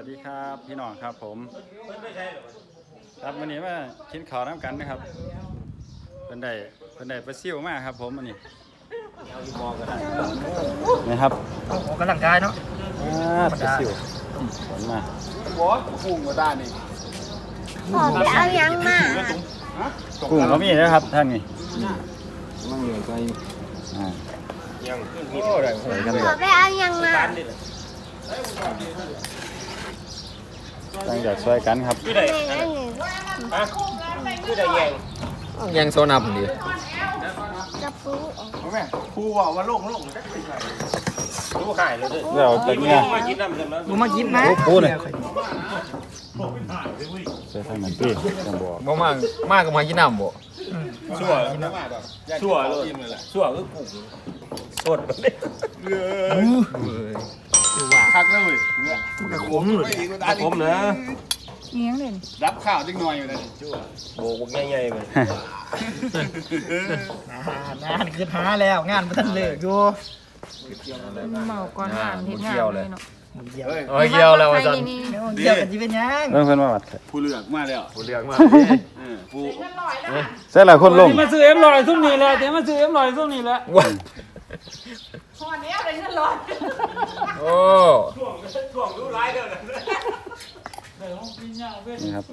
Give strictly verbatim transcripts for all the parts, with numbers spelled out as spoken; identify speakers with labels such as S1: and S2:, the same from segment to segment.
S1: ดีครับพี่น้องครับผมครับวันนี้มากินข้าวน้ำกันนะครับเป็นได้เป็นได้ปลาซิ่วมากครับผมวันนี้นี่ครับ
S2: ออกกำลังกายเนาะ
S1: ปลาซิ่วผลมา
S3: บอสกุ้งก็ได้นี่
S4: พ่อไปเอายังมา
S1: กุ้งก็มีนะครับท่านนี่
S3: มั่งเหลือใจ
S1: อ่า
S3: ยังโอ้ได้
S1: ใส่กันเลย
S4: พ่อไปเอายังมา
S1: ตั้งใจช่วยกันครับ
S4: แม่นั่นนี่
S3: คือได้แยง
S2: ยังโซนับดี
S4: กระปุก
S3: แม่ครูว่าว่าโล่งโล่งจักเป็นไงรู้หายเลยด้วย
S1: เราตะเกียบ
S3: มากินน้ำเสร็จแล้ว
S2: ดูมากินนะ
S1: ปูเลยใส่ทางนั้นพี่จังบอก
S2: บ่มากมากกับมากินน้ำบ่
S3: ชั่วชั่วเลยชั่วคือกุ้งสดแบบนี้คักเลยมันก็ขมเลยขมนะ
S4: เลี้ยงเลย
S3: รับข้าวจังหน่อยอยู่เลยชั่วโบกใหญ่ๆเลย
S2: งานคือหาแล้วงานมันทันเลิกอยู่
S5: เมาก่อนงานเฮ็ดงานเลยเนาะ
S2: เกี่ยว
S1: โอ้ยเกี่ยวแล้วอาจารย์
S2: เกี่ยวกันสิเป็นยัง
S1: เพิ่นเพิ่นมาวัด
S3: ผู้เลือกมาแล้ว
S2: ผู้เลือกมา
S3: ผู้
S1: ใส่หลายคนลง
S5: มาซื้อเอ็มลอยซุ่มนี่แหละเดี๋ยวมาซื้อเอ็มลอยซุ่มนี่แหละ
S2: ว้า
S5: พอนี้อะไรเงินลอย
S2: โอ้
S1: นี่ครับ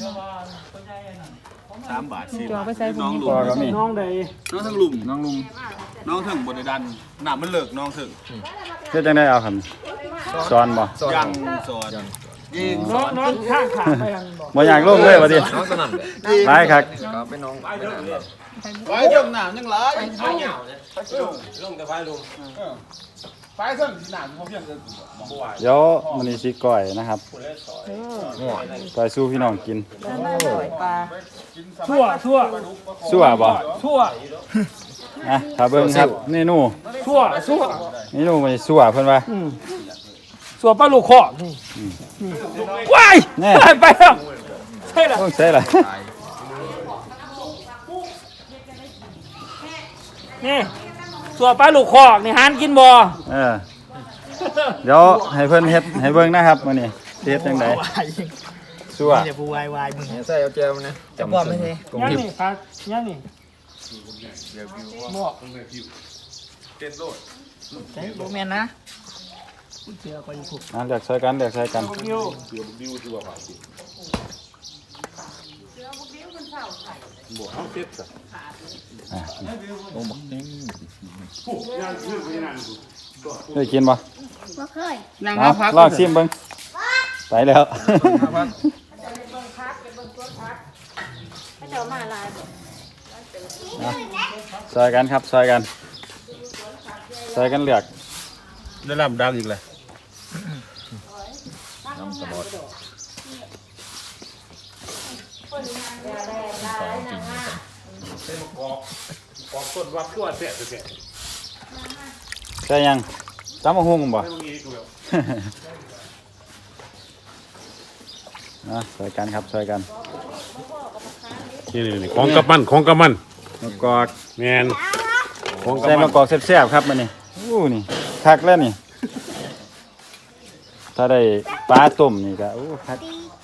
S3: สามบาทสี่
S5: จอบ
S3: าท
S5: ไปใส่ผม
S1: พอก็มี
S5: น้องใด
S3: น้องทั้งลุมน้องลุมน้องทั้งบนดันหนามันเลิกน้องถึง
S1: เฮ็ดจังได๋เอาครับสอนบ่
S3: ยังสอนยิง
S5: น้องน้องข้างขาไปยังบอก
S1: บ่อยากลงเลยว่าติ
S2: น้องสนั่นเลย
S1: หลายคัก
S2: ครับเป็นน้อง
S3: ไว้เรื่องหนามยังร้ายไฟเหงาเนี่ยไฟลุมลุมกับไฟลุมไฟเส้นสีหนามเขาเพียงจะบ่ไหว
S1: เดี๋ยวมื้อนี้สิก้อยนะครับ
S2: ง่วง
S1: ก้อยสู้พี่น้องกิน
S5: ปลาทั่วทั่ว
S1: สู้อ่ะบ่
S5: ทั่ว
S1: อ่ะถ้าเบิ่งครับเมนู
S5: ทั่วทั่ว
S1: เมนูมันสู้อ่ะเพิ่นว่า
S5: ส่วนปลาลูกคอนี่ว้าย
S1: แน่
S5: ไปแล้วใช่ละ
S1: ต้องใส่ล่ะ
S5: นี่ส่วนปลาลูกคอนี่หานกินบ่
S1: เออเดี๋ยวให้เพิ่นเฮ็ดให้เบิ่งนะครับมื้อนี้สิเฮ็ดจังได๋สู้อ่ะ
S2: นี่จะผู้วายวายมึงใส่เอาแจวนะจะบ่ไม่ใช่กง
S5: ยัง
S2: ทิพ
S5: นี่ครับยังนี่บ่
S2: ใช่บ่แม่นนะเชื่อคนผูก
S1: อ่ะเลือกใส่กันเลือกใส่กัน
S5: อยู่
S1: อ่ะเคยกินบ่
S4: บ่เคย
S3: นั่ง
S1: เอา
S3: พัก
S1: ลองชิมเบิ่งไปแล้ว
S4: ไม่เจ้ามาลาย
S1: ซอยกันครับซอยกันซอยกันเลือก
S3: ได้รับดังอีกเลย
S2: น้ำสลอด
S3: ปอกต้นวัดตัวเสียเสีย
S1: ใช่ยังตำมะฮุ่งบ่ นะซอยกันครับซอยกัน
S6: นี่นี่ของกับมันของกับมัน
S1: มะกอก
S6: แมนของกับ
S1: ใส่
S6: มั
S1: มะ
S6: น
S1: กอกแซ่บๆครับมื้อนี้อู้นี่คักแล้วนี่ ถ้าได้ปลาต้มนี่ก็อู้คัก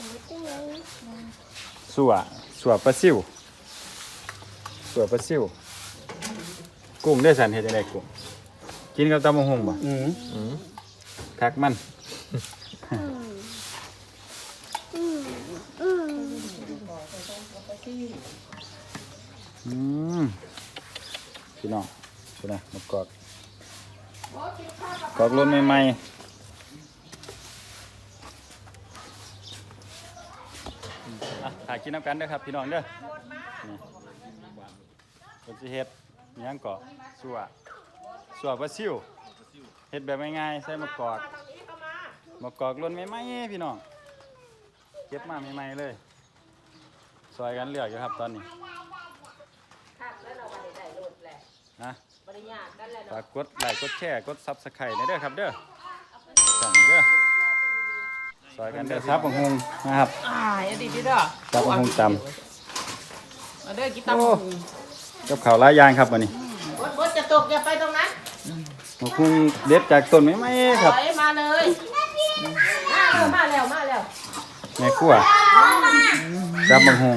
S1: สัวสัวปลาซิวสัวปลาซิวกุ้งได้สันเฮ็ดจังได๋กุ้งกินกับตำมะฮุ่งบ่
S3: อืม
S1: คักมัน อืมพี่น้องพี่นะมากอกกอกรุ่นใหม่ๆอ่ะถ่ายกินน้ำกันเด้อครับพี่น้องเด้อนี่คนสิเฮ็ดอิหยังเกาะสัวสัวปลาซิวเฮ็ดแบบง่ายๆใส่มะกอกมะกอกรุ่นใหม่ๆพี่น้องเก็บมาใหม่ๆเลยซอยกันเลือกอยู่ครับตอนนี้นะฝากกดไลค์กดแชร์กดซับสไครต์ในเด้อครับเด้อส่องเด้อซอยกันเด้อซับบังฮงนะครับ
S5: อ่าอย่าดีพี่เด้อ
S1: ซับบังฮงต
S5: มาเด้อกิน
S1: ำ
S5: ตำ
S1: โอ้กับข้าวหลายอย่างครับวันนี้
S5: บดบดจะตกอย่าไปตรงนั้น
S1: บังฮงเด็ดจากต้นไม้ไม้ครับ
S5: ถอยมาเลยมาแล้วมาแล้ว
S1: แม่ครัวจับบังหง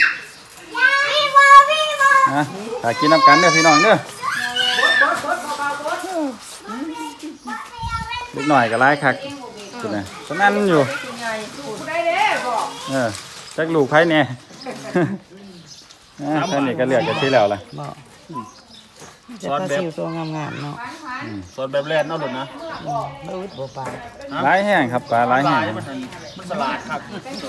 S1: นะถ้ากินน้ำกันเด้อพี่น้องเด้อเล็กหน่อยก็ร้ายคักคุณน่ะฉะนั้นอยู่เออจักลูกไผแน่ นะท่านนี่ก็เลือกกันที่แล้วล่ะ
S2: จะปลาซิวตัวงามๆเนาะ
S3: สดแบบแรกเนาะดุนนะ
S2: บ่อึดบ่ปาน
S1: ร้ายแห้งครับปลาร้ายแห้ง
S3: มันมันสลัดครับ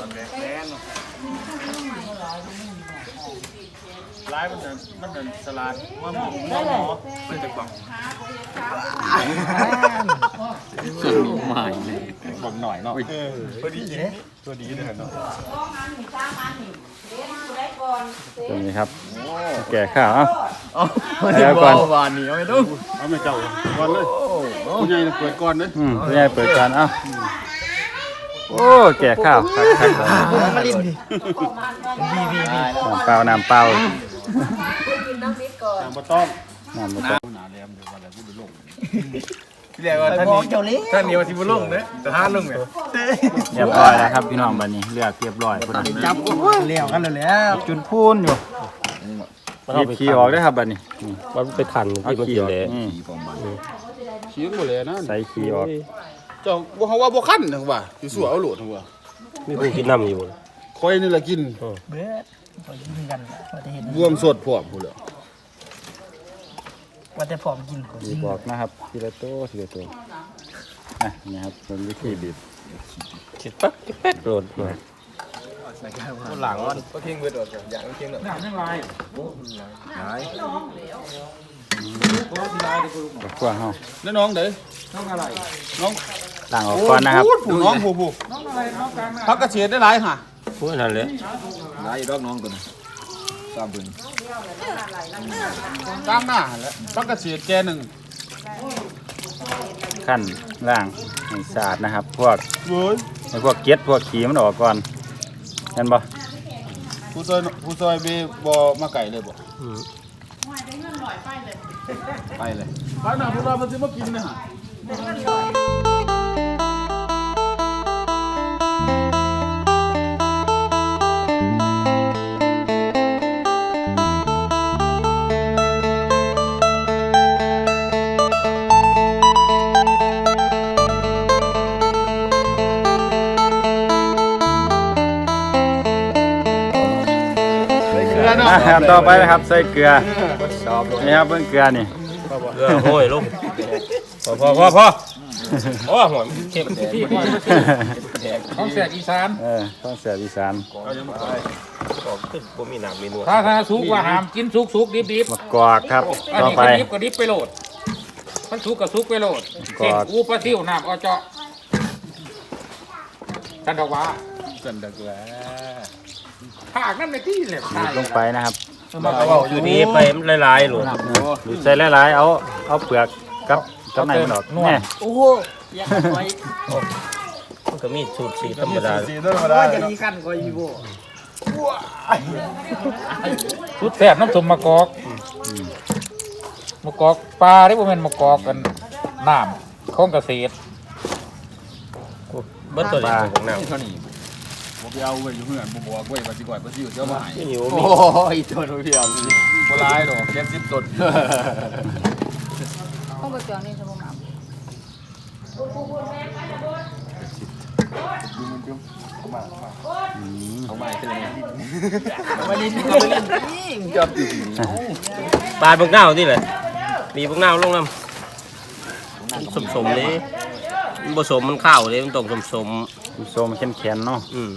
S3: ร้ายมันจะมันจะสลัดว่าหมูหมูหมูมันจะกล่องใหม่บอกหน่อยเนาะพอดีตัวดีเลยเนาะ
S1: ตรงนี้ครับแก่ข้าวเอ้า
S3: เอาเดี๋ยวก่อนวานนี้เอาไปดูเอาไม่เจ้าก่อนเลยผู้ใหญ่เปิดก่อนเลย
S1: อืมผู้ใหญ่เปิดการเอ้าโอ้แก่ข้าวคักคักเลย
S2: มาลิ้นดิบีบีบี
S1: น้ำเปล่าน้ำเปล่า
S3: น้ำบะต้อง
S1: น้ำบ่ต้อง
S3: หนาแหลมเดี๋ยววันอะไรพูดไปลง
S2: เรียกว่าท่านนี้เจ้าเล่
S3: ท่านนี้ว่าที่บุลงเนี่ยแต่ท่านลงเนี่ย
S1: เรียบร้อยแล้วครับพี่น้องบัดนี้เลือกเรียบร้อยพุ่นน่ะ
S2: จับเลี้ยวกันแล้ว
S1: จุนพูนอยู่หยิบขี้ออกได้อครับบัดนี้นี่
S6: มันไปขัน
S1: เอา
S6: ที่มัน
S1: ขี้
S6: กิ
S1: อน อก
S6: เลย
S1: นี่
S3: ขี้หมดเลยนะ
S1: ใส่ขี้ออก
S3: เจ้าบ่เขาว่าบ่คั้นนะว่าอยู่สัวเอาโหลดนะว่า
S6: มีผู้กินน้ำอยู่
S3: คอยนี่ละกิน
S2: เบิดพอกินกันพอจะเห็น
S3: รวมสดพร้อมพุ่นแหละ
S2: ว่าแต่พร้อมกินคน
S1: บีบออกนะครับทีละโตทีละโตอ่ะนี่ครับเป็นวิธีบีบ
S6: คิดปั๊บแป๊กโดดมา
S3: หลังก็ทิ้งไว้โดดอย่างทิ้งเนาะน้ำยังลาย
S1: กับขั้วเฮา
S3: แล้วน้องเด้น้องอะไรน้อง
S1: ล้างออกก่อนนะครับ
S3: น้องผู้ผู้น้องอะไรน้องกลางพักกระเฉียดได้หลายค่ะ
S6: พูดนั่นเลย
S3: หลายดอกน้องตัวนี้ตามเพิ่นกลางหน้าแล้วพักกระเฉียดแกหนึ่ง
S1: ขั้นล่างให้สะอาดนะครับ พวก
S3: เว้ย
S1: ไอ้พวกเกล็ดพวกขี้มันออกก่อนเห็นบ่
S3: ผู้ซอยผู้ซอยเบบ่มาไก่เลยบ่ไปเลยไปหน้าพวกเรามันสิมากินนะฮะ
S1: อ่ะครับต่อไปนะครับใส่เกลือนี่ครับเบิ่งเกลือนี่
S6: เกลือโห้ยลงพอพอพอพอโอ้หอยเค็มที่
S5: ท้องแสกอีสาน
S1: เออต้องเสียอีสาน
S6: ผมมีน้ำมีนวล
S5: ถ้าถ้าสุกว่าหามกินสุกสุกดิบดิบ
S1: มะกอกครับ
S5: อัน
S1: ต่อ
S5: นี้
S1: ไป
S5: ก็ดิบก็ดิบไปโหลดมันสุกก็สุกไปโหลด
S1: กอด
S5: เส้นอูปลาซิวน้ำเอาเจาะฉันดอกว่า
S3: กันดักแหละ
S5: ผากนั่นในที่เลย
S1: บีบลงไปนะครับ
S6: อยู่นี่ไปหลายๆหลวง
S1: บีบใส่หลายๆเอาเอาเปลือกกับกับในมันออกแน่
S2: โอ้โหยังไว้
S6: มันก็มีสูตรสีธรรมดา
S3: สีธรรมดา
S2: จะดีกันก็อีโบ
S5: สุดแสบน้ำส้มมะกอกมะกอกปลาได้บ่แม่นมะกอกกันน้ำของเกษตร
S6: เบิ้ลตัวนี้ของน้ำ
S3: เท่านี้บ่ไปเอาไว้อยู่เฮือนบ่บอกไว้ว่าสิก่อยบ่สิอยู่เจ้าบ่ให้
S6: ที่อยู่มี
S3: ยตัวนู้นพี่เอาบ่หลายดอกแค่สิบต้น
S4: ต้องไปเปลี่ยนนี่สมมา
S3: เอาใหม่ขึ้นเลย
S2: มาลิ้นมาลิ้นนี่
S3: จับอยู่
S6: ปลาพวกเน่าที่เลยมีพวกเน่าลงน้ำสมสมเลยมันผสมมันข้าวเลยมันต้องสมสม
S1: โซมแข็งๆเนาะ
S6: อืม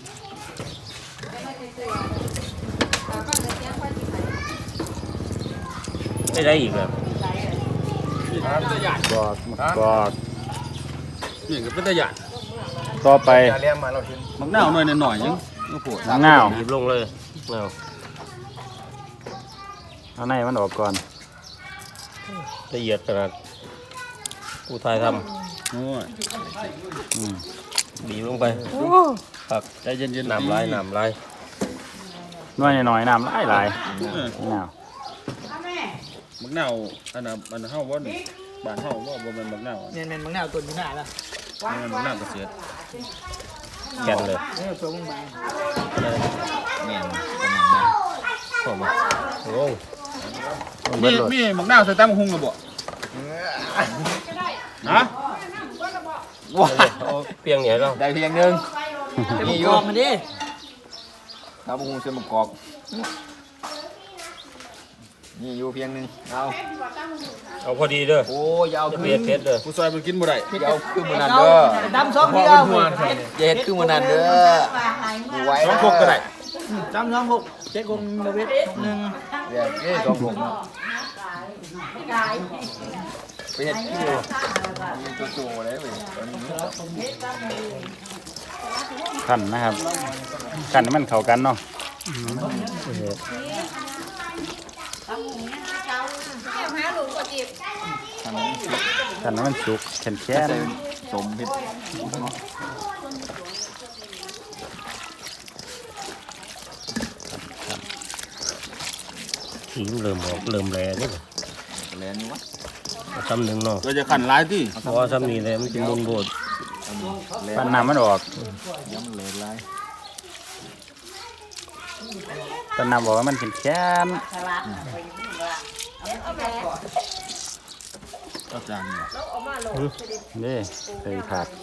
S6: ไม่ได้อีกแบบ
S1: กอกมะกอก
S3: นี่ก็เป็นตะหยาด
S1: ต่อไป
S3: มักหน้าวหน่อยหน่อยยังโอ้โห
S1: มะนาว
S6: หยิบลงเลยเอา
S1: เอาในมันออกก่อน
S6: ละเอียดขนาดผู้ทายท
S3: โอ้ย
S1: อืม
S6: ำบีบลงไปครับ
S3: ใจเย็นๆ
S6: น้ำลายน้ำลาย
S1: น้อยหน่อยๆน้ำหลายหลาย
S3: เออ
S1: มะนาว
S3: มักหน้าวอันน่ะอันน่ะเฮาบ่นี่บ้านเฮาบ่บ่แม่นมักหน้าว
S2: เนี่ยเป็นมังนาวตัวนี้หน้าละ
S3: นี่มันมักหน้าวเกษตร
S6: แก่นเลย
S2: เออตัวมึงบาง
S5: แม่น
S6: โอ้มาโอ้
S3: มีมีหมกหน้าใส่ตั้มหุงกระบอกฮะ
S5: ว้า
S6: เอาเปียงเหนียวเรา
S5: ได้เพียงหนึง
S2: จะมี
S5: นี่อก
S2: อยู่ องมันดิ
S5: ครับผมเส้นมะกอกนี่อยู่เพียงหนึงเอา
S6: เอาพอดีเด้อ
S5: โอ้ยอย่าเอา
S6: จะ
S5: คื
S6: เผ็ด
S5: น
S6: เผ็ดเด้อ
S3: ผู้ซอยมันกินบ่ได้
S5: อย่าเอาคือมื้อนั้นเด้อ
S2: ดำสองเดียว
S5: อย่าเฮ็ดคือมื้อนั้นเด้อดูไว้
S3: สองพวกก็ได้
S2: ดำสองหกเจ๊กงบเวทหนึ่ง
S5: เดี๋ยวเอ้ยสองผมเนาะไปเฮ็ดคือมีโจโจเลยเว้ยตอนนี้
S1: ขันนะครับขันให้มันเข้ากันเนาะขันให้มันสุกแข็งแข็ง
S5: สมเฮ็ด
S6: สีมันเริ่มออกเริ่มแรงนี่
S5: แลนอยู่วะ
S6: เอาซ้ำหนึ่งเนาะ
S3: เราจะขันหลายที่
S6: เพราะว่าซ้ำนี้เลยมันจะมุนโบด
S1: ปั้นน้ำมันออก
S5: ย้ำเลยลาย
S1: ปั้นน้ำบอกว่ามันแข็งแข็ง
S3: อาจารย์
S1: นี่ใส่ถาด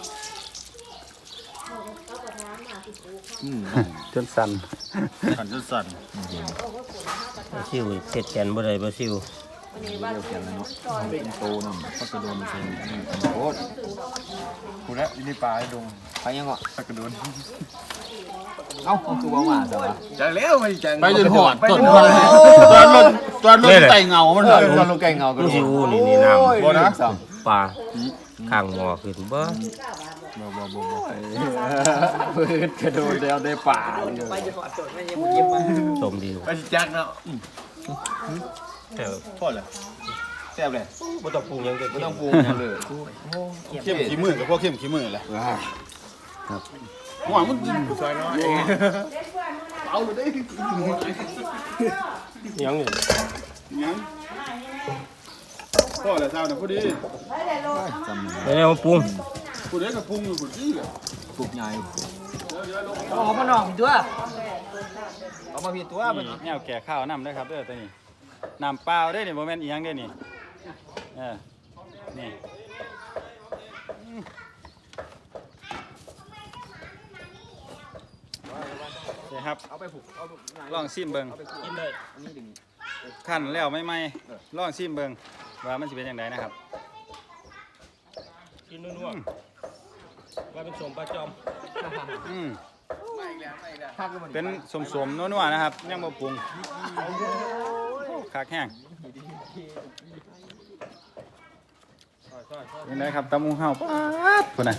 S5: อืม
S1: จนสั่น
S3: ขันจนสั่น
S6: ซิวเสร็จแกนบ่ได้บ่ซิว
S5: เรียวเขียนแล้วเนาะเป็นโตนำพักกระโดนเซนโคตร
S3: กูแล้วนี่ปลาให้ดง
S5: ไปยังอ่ะ
S3: ตะกระโดน
S5: เอ้าคือบ่มาซะวะ
S3: จังแล้วไปจังไปจนหอดต้นตอนรถตอนรถไต่เงามัน
S5: เอ
S3: เหร
S5: อ
S3: อ
S5: ตอนลงแกงเงากระ
S6: มัน
S5: โด
S6: ซิ
S5: ด
S6: วนี่นี่น้ำ
S3: บ่นะ
S6: ปลาข้างหม้อขึ้นบ่
S3: บ่บ่บ่บ่
S5: เพิ่นกระโดดแล้วได้ป่าเลย
S2: ไปจะขอโจทย์ไม่ยังเก็บมา
S6: ต้มดี
S3: ไปจักเนาะ
S6: แต่
S3: พอแล้วแซ่บเลย
S6: บ่ต้องปรุงหยังก็
S5: ไม่ต้องปรุงเลย
S3: เข้มขี้มือกับพวกเข้มขี้มือแหละหัวมันซอยน้อยเอาเลยได้
S6: ยังนี่
S3: ยังพอแล้วเจ้าน่ะพอดี
S6: แล้วมาปรุง
S3: ผู้ใดก็ปรุงอยู่ผู้ที่แหละ
S5: ปลูกใหญ่
S2: เอามาหน่องตัว
S5: เอามาพี่ตัว
S1: นี่แนวแก่ข้าวน้ำเด้อครับเด้อตัวนี้น้ำเปล่าเด้อนี่โมเมนต์อีหยังเด้อนี่เออนี่อืมนี่ครับ
S5: เอาไปผูกเอา
S1: ลองซิมเบิ่ง
S6: กินได้
S5: อันนี้ดึง
S1: ขั้นแล้วไม่ไหมลองซิมเบิ่งว่ามันสิเป็นยังไงนะครับ
S6: กินนัวๆว่าเป็นสมปลาจอม
S1: อืม
S5: พักแล้วมัน
S1: เป็นสมๆนัวๆนะครับยังบ่ปรุงคักแห้งยังไงครับตำมุงเฮาป๊าดพุ่นน่ะ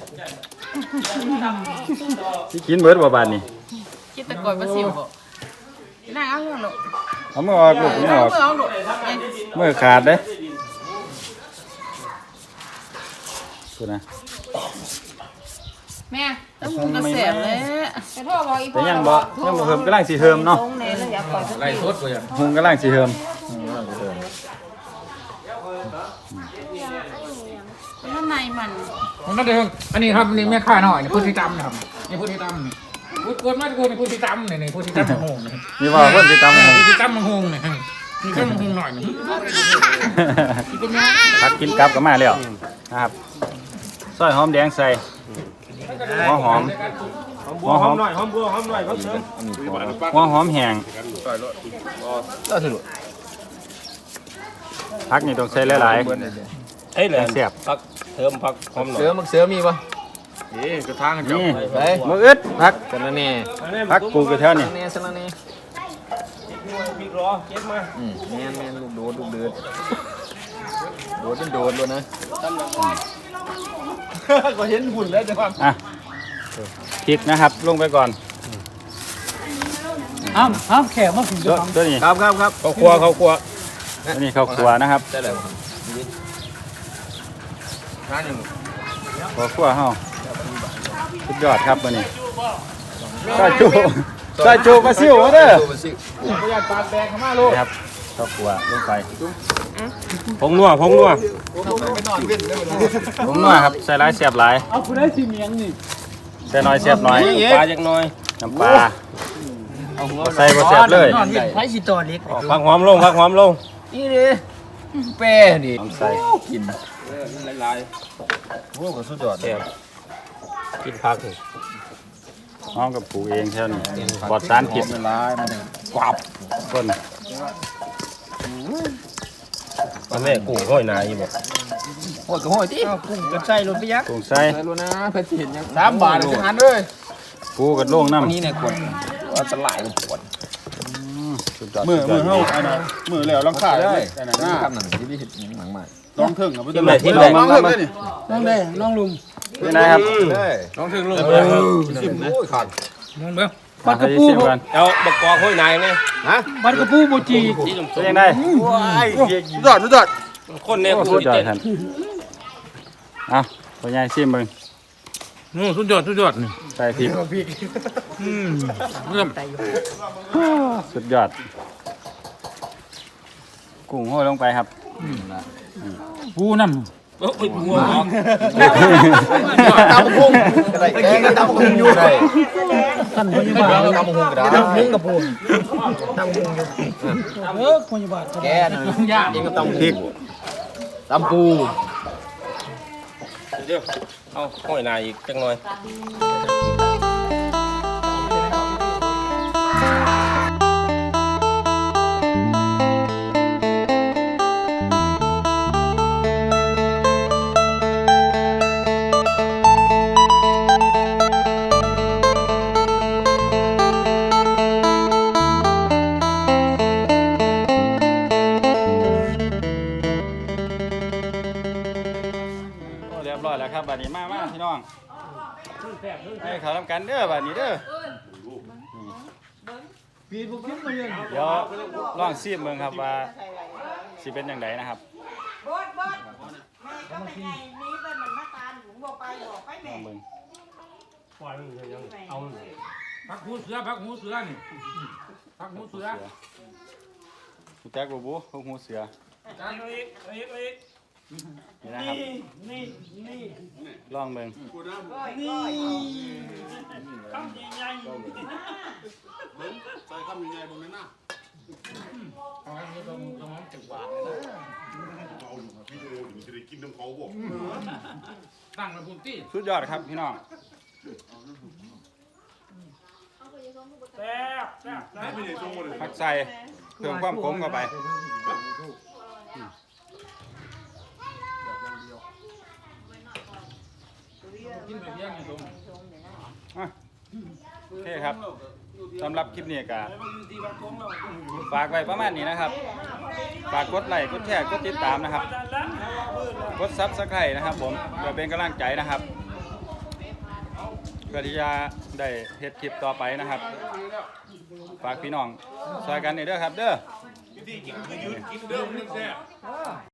S1: สิกินเบิดบ่บาดนี้
S2: คิดแต่ก่อนมาสิวบ่น่าเอาลูก
S1: เอามือออกลูกมือออก
S2: เอาลูก
S1: มือขาดเด้พุ่นน่ะ
S2: แม่ต้องมุงกระแสเลย
S4: แต่พ่อบอกอี
S1: แต่ยังบ่ยังบ่เฮิมกำลังสิเฮิมเนาะ
S4: ตรงไหนเลยอยากปล่อยสัก
S5: ไล่สดกูยัง
S1: หุงกำลังสิเฮิม
S2: ข้างในมัน
S5: ผมนั่นเองอันนี้ครับนี่แม่ค้าหน่อยนี่พูดที่ตำนะครับนี่พูดที่ตำนี่พูดกวนมากูนี่พูดที่ตำนี่นี่พูดที่ตำมังหงนี่
S1: นี่ว่าเพิ่นสิตำหุง
S5: พูดที่ตำมังหงนี่นี่ก็มังหงหน่อยนี่
S1: พักกินกลับก็มาแล้วนะครับซอยหอมแดงใส่หัวหอม
S6: บัวหอมหน่อยหอมบัวหอมหน่อยเขาเสริม
S1: หัวหอมแห้ง
S5: ก็สรุป
S1: พักนี่ต้องใส่หลาย
S6: เอ้ยแหละ
S1: แซ่บ
S6: ผักเสริมผักหอมหน่อ
S5: เสื
S6: ย
S5: อมักเสือมีปะ
S3: นี่กระทางกัน
S1: ๆ
S3: จับ
S1: นี่
S5: ไป
S1: มืออึดพัก
S5: สารเน่
S1: พักปลูกอยู่แถว
S5: สา
S1: นี้
S5: รเน่สารเน่
S6: พริกรอเก็บมา
S5: อืมแม่นแม่นลูกโดดลูกเดือดโดดเป็นโดดเลยนะ
S3: ก็เห็นหุ่นแล้วจะฟัง
S1: อ่ะพริกนะครับ ลงไปก่อน
S2: อ้าวอ้าวแขกมาถึง
S1: ตัวตัวนี้
S5: ครับครับครับ
S6: เขาครัวเขาครัว
S1: ตัวนี้ข้าวคั่วนะครับ
S5: ได้เลยร้านยัง
S1: ข้าวคั่วเฮาสุดยอดครับตัวนี้ซอยจูซอยจูปลาซิวมาเด้อ
S3: พยานปลาแดงเข้ามาลูก
S1: นะครับข้าวคั่วลงไป
S6: ผงนัวผงนัว
S5: ไปนอนเว้นได้ไหม
S1: ลงนัวครับใส่หลายเสียบหลาย
S2: เอาผู้ได้สิเมียงนี่
S1: แซ่น้อยแซ่บน้อย
S6: ปลาจักหน่อย
S1: น้ำปลาใส่บ่แซ่บเลย
S2: นอนวิ่งไผสิต่อเล็ก
S6: พักหอมลงพักหอมลง
S2: นี่ดิแป้นี่
S1: น้ำใส่
S2: กิน
S6: หลาย
S2: โอ้ก็สุดยอด
S6: ๆแซ่บกินพักนี่
S1: น้องกับปลูกเองเท่านี้ปลอดสารพิษ
S2: เวลามันกวับ
S1: ต้น
S6: มันแม่กุ้งห้อยนาอยู่บ่
S2: โอ้ยก็โหยติเอากุ้งกระใส่รถไปยักษ์
S1: ปลูกใส่
S2: ใส่รถนะเพิ่นสิเห็นยังสามบาทเลยหันเลย
S1: ปูกับโล่งน้ำ
S2: อันนี้เนี่ยกดว่าตลาดมันปวด
S1: สุดยอด
S3: มือ
S1: สุดย
S3: มื
S1: อ
S3: อ
S1: ด
S3: เฮาอันนั้นมือแล้วลังคาได้อันนั้น
S2: หน้า
S3: น่ะ
S2: คำนั้นที่ได้เห็นหนังใหม่
S3: ลองถึงเอาไป
S6: ที่ไหนที่ไหน
S3: ลองถึงได้นี่
S2: น้องเด้น้องลุง
S1: นี่นะครับ
S3: ลองถึงลง
S2: ชิมโอ้ยขาด
S5: มองเบิ่ง
S1: บัดกระปูกัน
S6: เอาบักกอกห้อยนายนี่
S5: บัดกระปูบ่จี
S6: ที่
S1: เป็นยังไง
S3: สุดยอดสุดยอด
S6: คนเนี่ย
S1: สุดยอดท่านเอาตัวใหญ่ชิมมึง
S5: โอ้สุดยอดสุดยอดนี่
S1: ใส่พริก
S5: อืมเริ่ม
S1: สุดยอดกุ้งโห้อยลงไปครับ
S5: ปูน้ำ
S6: เอ้ยหัวออก
S2: ตำพุงอะไรกินก็ตำพุงอยู่ได้ท่านพยาบาลตำพุงก็ได้ตำพุงกับพุงตำพุงอยู่เออพยาบาลแกน่ะยากเองก็ตำพริกตำปู
S6: เดี๋ยวเอาห้อยนายอีกจังหน่อย
S1: โอ้เรียบร้อยแล้วครับบัดนี้มามาพี่น้องให้เขาทำกันเด้อบัดนี้เด้อเดี๋ยวลองซีมเบิ่งครับว่าสิเป็นยังไงนะครับ
S4: บดบดแม่ก็ไม่ไงนี้เป็นมันมาตามหลวงบอกไปบอกไป
S1: ล
S4: แม่
S1: องเบิ่ง
S5: พักหูเสือพักหูเสือนี่พักหูเสือ
S1: รู้จักบ่บูพวกหูเสือ
S5: จานอีกอีกอีก
S1: นี่นะครับลองเบิ่ง
S4: ก้อยก้อย
S3: ใส่คำยังไงบ่แม่นน่ะ
S5: ตั้งระบุตี้
S1: สุดยอดครับพี่น้อง
S5: แซ่บแซ่บแซ่บ
S1: ผักใส่เพิ่มความขมเข้าไปอ่ะโอเคครับสำหรับคลิปนี้ก็ฝากไว้ประมาณนี้นะครับฝากกดไลค์กดแชร์กดติดตามนะครับกดซับสไครต์นะครับผมเพื่อเป็นกำลังใจนะครับเพื่อที่จะได้เฮ็ดคลิปต่อไปนะครับฝากพี่น้องช่วยกันนี่เด้อครับเด้อ